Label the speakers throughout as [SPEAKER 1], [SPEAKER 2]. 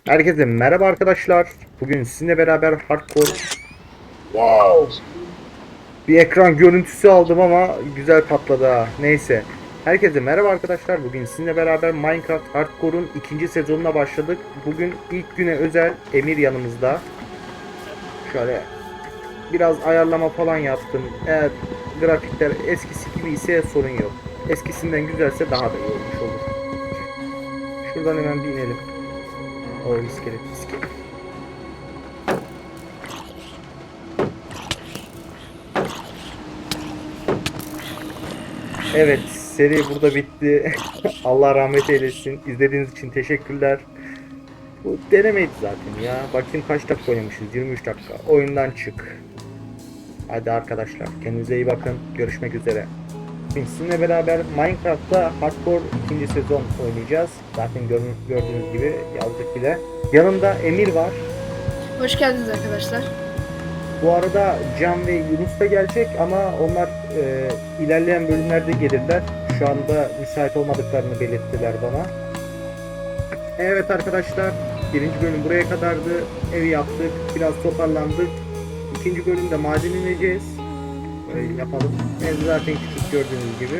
[SPEAKER 1] Herkese merhaba arkadaşlar. Bugün sizinle beraber hardcore wow bir ekran görüntüsü aldım ama güzel patladı ha. Neyse. Herkese merhaba arkadaşlar. Bugün sizinle beraber Minecraft Hardcore'un ikinci sezonuna başladık. Bugün ilk güne özel Emir yanımızda. Şöyle biraz ayarlama falan yaptım. Eğer grafikler eskisi gibi ise sorun yok. Eskisinden güzelse daha da iyi olmuş olur. Şuradan hemen bir inelim. O iskelet. Evet, seri burada bitti. Allah rahmet eylesin. İzlediğiniz için teşekkürler. Bu denemeydi zaten ya. Bakayım kaç dakika oynamışız? 23 dakika. Oyundan çık. Hadi arkadaşlar, kendinize iyi bakın. Görüşmek üzere. Sizinle beraber Minecraft'ta Hardcore ikinci sezon oynayacağız. Zaten gördüğünüz gibi yazdık bile. Yanımda Emir var.
[SPEAKER 2] Hoş geldiniz arkadaşlar.
[SPEAKER 1] Bu arada Can ve Yunus da gelecek ama onlar ilerleyen bölümlerde gelirler. Şu anda müsait olmadıklarını belirttiler bana. Evet arkadaşlar, birinci bölüm buraya kadardı. Evi yaptık, biraz toparlandık. İkinci bölümde maden ineceğiz. Böyle yapalım. Ev zaten küçük gördüğünüz gibi.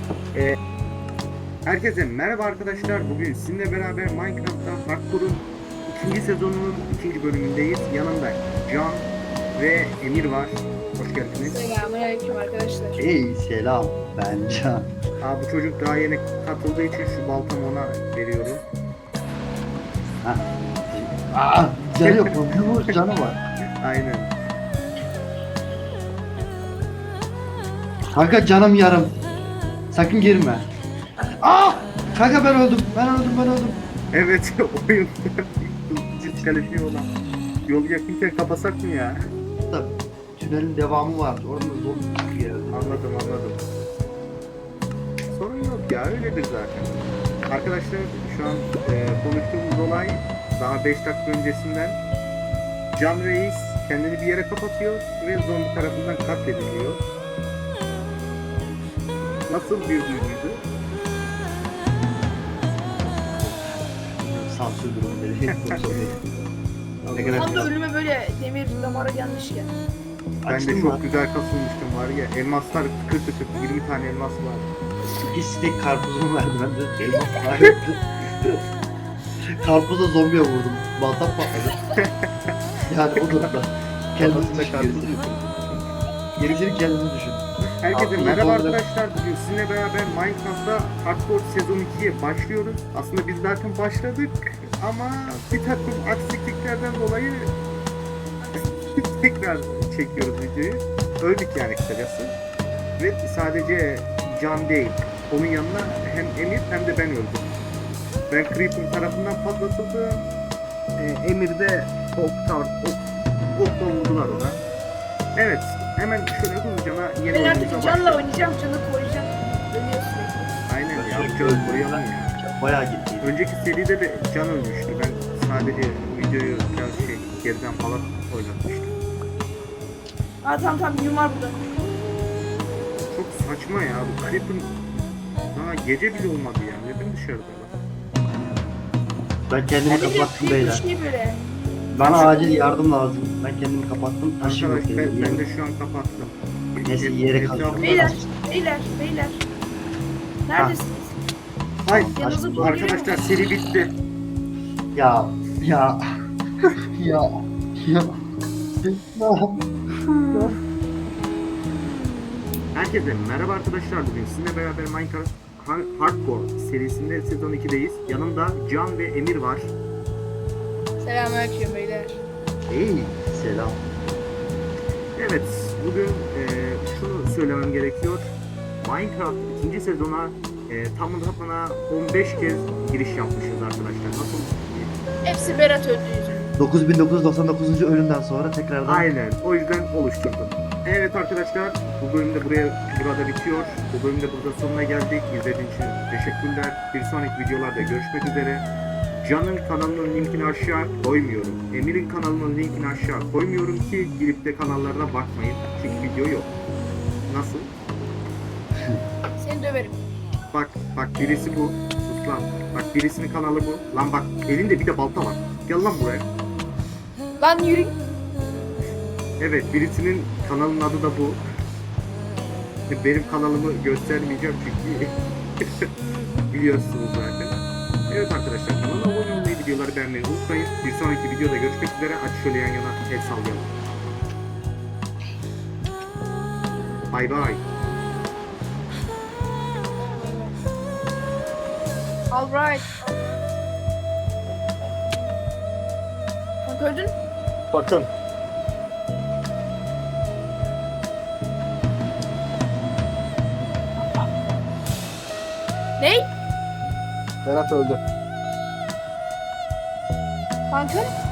[SPEAKER 1] Herkese merhaba arkadaşlar. Bugün sizinle beraber Minecraft'ta Hardcore'un ikinci sezonunun ikinci bölümündeyiz. Yanımda Can ve Emir var. Hoş geldiniz.
[SPEAKER 2] Selamünaleyküm arkadaşlar.
[SPEAKER 3] Hey selam, ben Can.
[SPEAKER 1] Bu çocuk daha yeni katıldığı için şu baltamı ona veriyorum.
[SPEAKER 3] Güzel yok mu? Yumur canı var.
[SPEAKER 1] Aynen.
[SPEAKER 3] Kanka canım yarım. Sakın girme. Kanka ben öldüm.
[SPEAKER 1] Evet, oyunda diskalifiye olan. Yolu yakınken kapasak mı ya?
[SPEAKER 3] Da tünelin devamı var. Orada zor bir yer.
[SPEAKER 1] Anladım. Sorun yok ya, öyledir zaten. Arkadaşlar şu an konuştuğumuz olay daha 5 dakika öncesinden. Can Reis kendini bir yere kapatıyor ve zombi tarafından katlediliyor. Nasıl bir duyguydu?
[SPEAKER 3] Sansür durumu dedi. Ne kadar
[SPEAKER 2] Tam da
[SPEAKER 3] güzel.
[SPEAKER 2] ölüme böyle demir damara gelmiş ya.
[SPEAKER 1] Ben
[SPEAKER 3] Açtın
[SPEAKER 1] de
[SPEAKER 3] mı?
[SPEAKER 1] çok güzel kasılmıştım var ya. Elmaslar tıkır tıkır 20 tane elmas var.
[SPEAKER 3] Bir sinek karpuzumu verdi. Ben de elmas var. Karpuza zombiye vurdum. Baltam patladı. Yani o durumda. Kendini
[SPEAKER 1] Kafasında
[SPEAKER 3] düşün.
[SPEAKER 1] karpuz.
[SPEAKER 3] Gerisini kendini düşün.
[SPEAKER 1] Herkese
[SPEAKER 3] Aklına
[SPEAKER 1] merhaba
[SPEAKER 3] dolduran-
[SPEAKER 1] arkadaşlar. Bugün sizinle beraber Minecraft'ta Hardcore sezon 2'ye başlıyoruz. Aslında biz zaten başladık ama bir takım aksiliklerden dolayı tekrar çekiyoruz videoyu. Öldük yani kısacası. Ve sadece Can değil. Onun yanına hem Emir hem de ben öldüm. Ben Creeper tarafından patlatıldım. Emir de okla vurdular ona. Evet. Hemen şöyle hızlıca yeni
[SPEAKER 2] Ben
[SPEAKER 1] oyunumuza
[SPEAKER 2] artık canla
[SPEAKER 1] başlayalım.
[SPEAKER 2] oynayacağım, canı koruyacağım. Ölüyor sürekli.
[SPEAKER 1] Aynen ya,
[SPEAKER 3] Sürekli
[SPEAKER 1] bu canı
[SPEAKER 3] öldüm.
[SPEAKER 1] koruyalım ya.
[SPEAKER 3] Bayağı gitti.
[SPEAKER 1] Önceki seride de can ölmüştü. Ben sadece videoyu biraz geriden falan oynatmıştım.
[SPEAKER 2] Tamam yum var burada.
[SPEAKER 1] Çok saçma ya, bu Creeper daha gece bile olmadı ya. Neden dışarıda lan?
[SPEAKER 3] Ben kendimi
[SPEAKER 2] Hadi
[SPEAKER 3] kapattım
[SPEAKER 2] bir
[SPEAKER 3] beyler.
[SPEAKER 2] şey böyle.
[SPEAKER 3] Bana acil yardım lazım. Ben kendimi kapattım. Taşım yok.
[SPEAKER 1] Arkadaş ben de şu an kapattım.
[SPEAKER 3] Neyse, yere
[SPEAKER 1] Etrafına
[SPEAKER 3] kalkıyorum.
[SPEAKER 2] Beyler. Neredesiniz?
[SPEAKER 1] Ay
[SPEAKER 2] Yanınıza doğru
[SPEAKER 1] arkadaşlar, seri bitti.
[SPEAKER 3] Ya. Ya. Ya. Ya.
[SPEAKER 1] Herkese merhaba arkadaşlar. Bugün sizinle beraber Minecraft Hardcore serisinde sezon 2'deyiz. Yanımda Can ve Emir var.
[SPEAKER 2] Selamünaleyküm beyler.
[SPEAKER 3] Hey. Selam.
[SPEAKER 1] Evet, bugün şunu söylemem gerekiyor. Minecraft ikinci sezona tamına 15 kez giriş yapmışız arkadaşlar. Nasıl?
[SPEAKER 2] Hepsi Berat öldü yüzünden.
[SPEAKER 3] 9999. ölümden sonra tekrardan
[SPEAKER 1] Aynen, o yüzden oluşturdum. Evet arkadaşlar, bu bölümde burada bitiyor. Bu bölümde burada sonuna geldik. İzlediğiniz için teşekkürler. Bir sonraki videolarda görüşmek üzere. Can'ın kanalının linkini aşağı koymuyorum. Emir'in kanalının linkini aşağı koymuyorum ki girip de kanallarına bakmayın. Çünkü video yok. Nasıl?
[SPEAKER 2] Seni döverim.
[SPEAKER 1] Bak birisi bu. Sus lan. Bak birisinin kanalı bu. Lan bak elinde bir de balta var. Gel lan buraya.
[SPEAKER 2] Lan yürü.
[SPEAKER 1] Evet, birisinin kanalının adı da bu. Benim kanalımı göstermeyeceğim çünkü biliyorsunuz zaten. Evet arkadaşlar, kanala abone olmayı, videoları beğenmeyi unutmayın. Bir sonraki videoda görüşmek üzere. Hadi şöyle yan yana el sallayalım. Bay bay.
[SPEAKER 2] Alright. Bak öldün.
[SPEAKER 1] Bakın.
[SPEAKER 2] Ney?
[SPEAKER 1] Berat öldü.
[SPEAKER 2] Kanka.